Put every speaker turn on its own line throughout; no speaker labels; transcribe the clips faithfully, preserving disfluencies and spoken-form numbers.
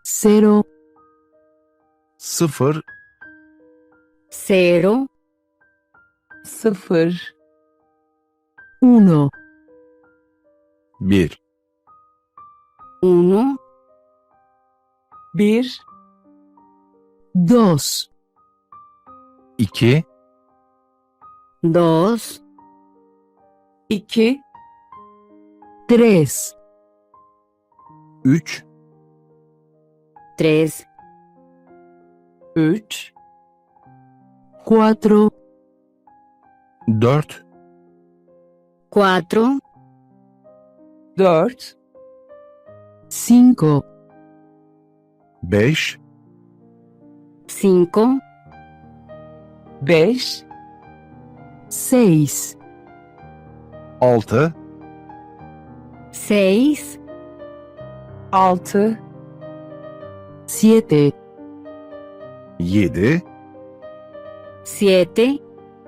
Zero,
sıfır,
Zero,
sıfır, uno,
bir,
uno,
bir, dos,
iki,
dos,
iki,
tres,
üç,
tres,
üç,
cuatro,
dört,
cuatro,
dört,
cinco,
beş,
cinco,
beş,
seis,
altı,
seis,
altı,
siete,
yedi,
siete,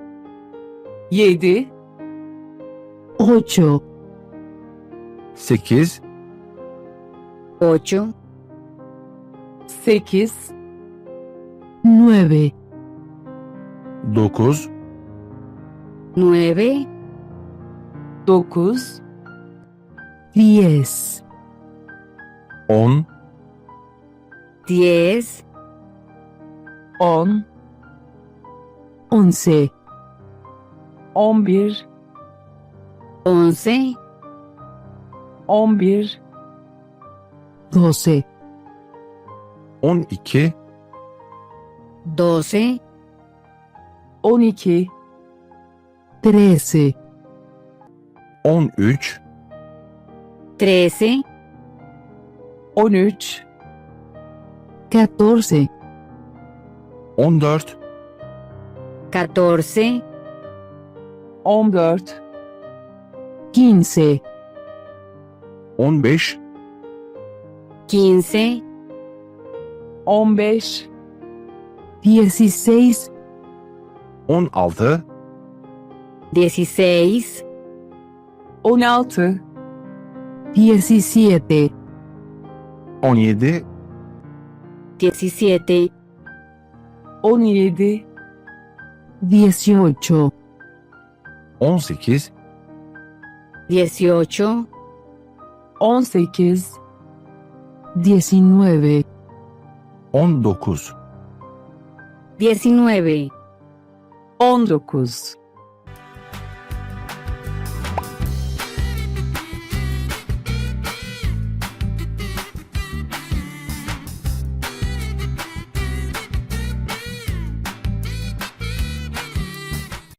yedi,
ocho,
sekiz,
ocho,
sekiz,
nueve,
dokuz,
nueve,
dokuz,
diez,
on,
diez,
on,
once,
on bir,
once,
on bir,
doce,
on iki,
doce,
on iki,
trece,
on üç,
trece,
on üç,
catorce,
on dört,
catorce,
on dört,
quince,
on beş,
quince,
on beş,
dieciséis,
on altı,
dieciséis,
on altı,
diecisiete,
on yedi,
diecisiete,
on yedi,
dieciocho,
on sekiz,
dieciocho,
on sekiz,
diecinueve,
on dokuz.
diecinueve,
on dokuz.